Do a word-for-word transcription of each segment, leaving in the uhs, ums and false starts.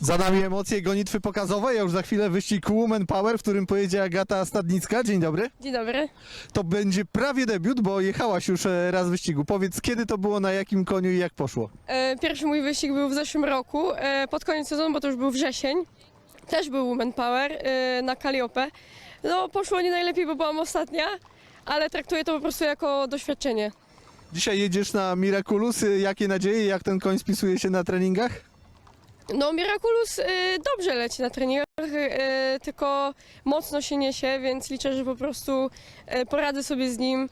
Za nami emocje gonitwy pokazowej, a już za chwilę wyścig Woman Power, w którym pojedzie Agata Stadnicka. Dzień dobry. Dzień dobry. To będzie prawie debiut, bo jechałaś już e, raz w wyścigu. Powiedz, kiedy to było, na jakim koniu i jak poszło? E, Pierwszy mój wyścig był w zeszłym roku, e, pod koniec sezonu, bo to już był wrzesień. Też był Woman Power e, na Calliope. No, poszło nie najlepiej, bo byłam ostatnia, ale traktuję to po prostu jako doświadczenie. Dzisiaj jedziesz na Miraculous. Jakie nadzieje, jak ten koń spisuje się na treningach? No, Miraculous e, dobrze leci na treningach, e, tylko mocno się niesie, więc liczę, że po prostu e, poradzę sobie z nim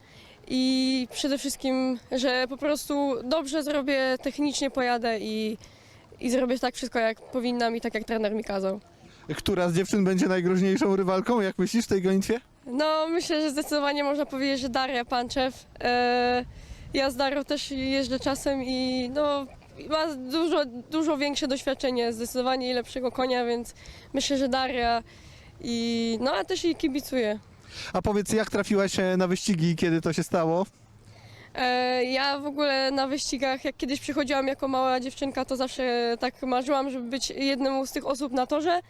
i przede wszystkim, że po prostu dobrze zrobię, technicznie pojadę i, i zrobię tak wszystko, jak powinnam i tak, jak trener mi kazał. Która z dziewczyn będzie najgroźniejszą rywalką, jak myślisz, w tej gonitwie? No, myślę, że zdecydowanie można powiedzieć, że Daria Panczew. E, ja z Darią też jeżdżę czasem i no, ma dużo, dużo większe doświadczenie, zdecydowanie i lepszego konia, więc myślę, że Daria i no, a też jej kibicuję. A powiedz, jak trafiłaś e, na wyścigi i kiedy to się stało? E, ja w ogóle na wyścigach, jak kiedyś przychodziłam jako mała dziewczynka, to zawsze tak marzyłam, żeby być jedną z tych osób na torze.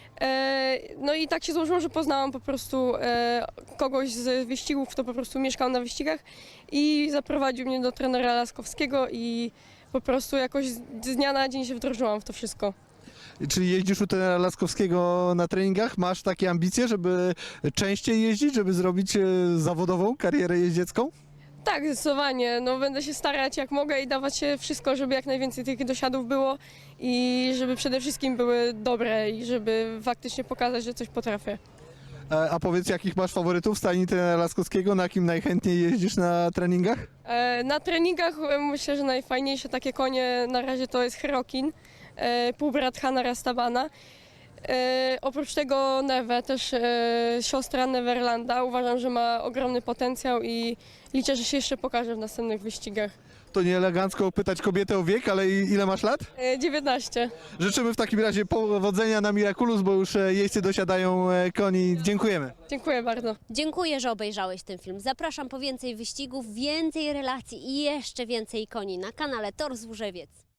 E, no i tak się złożyło, że poznałam po prostu e, kogoś z wyścigów, kto po prostu mieszkał na wyścigach i zaprowadził mnie do trenera Laskowskiego i po prostu jakoś z z dnia na dzień się wdrożyłam w to wszystko. Czyli jeździsz u trenera Laskowskiego na treningach? Masz takie ambicje, żeby częściej jeździć, żeby zrobić e, zawodową karierę jeździecką? Tak, zdecydowanie. No, będę się starać jak mogę i dawać się wszystko, żeby jak najwięcej tych dosiadów było i żeby przede wszystkim były dobre i żeby faktycznie pokazać, że coś potrafię. E, A powiedz, jakich masz faworytów w stajni trenera Laskowskiego? Na kim najchętniej jeździsz na treningach? E, Na treningach e, myślę, że najfajniejsze takie konie na razie to jest Herokin, e, półbrat Hana Rastabana. E, oprócz tego Neve, też e, siostra Neverlanda. Uważam, że ma ogromny potencjał i liczę, że się jeszcze pokaże w następnych wyścigach. To nie elegancko pytać kobietę o wiek, ale i- ile masz lat? E, dziewiętnaście. Życzymy w takim razie powodzenia na Miraculous, bo już e, jeźdźcy dosiadają e, koni. Dziękujemy. Dziękuję bardzo. Dziękuję, że obejrzałeś ten film. Zapraszam po więcej wyścigów, więcej relacji i jeszcze więcej koni na kanale Tor Złużewiec.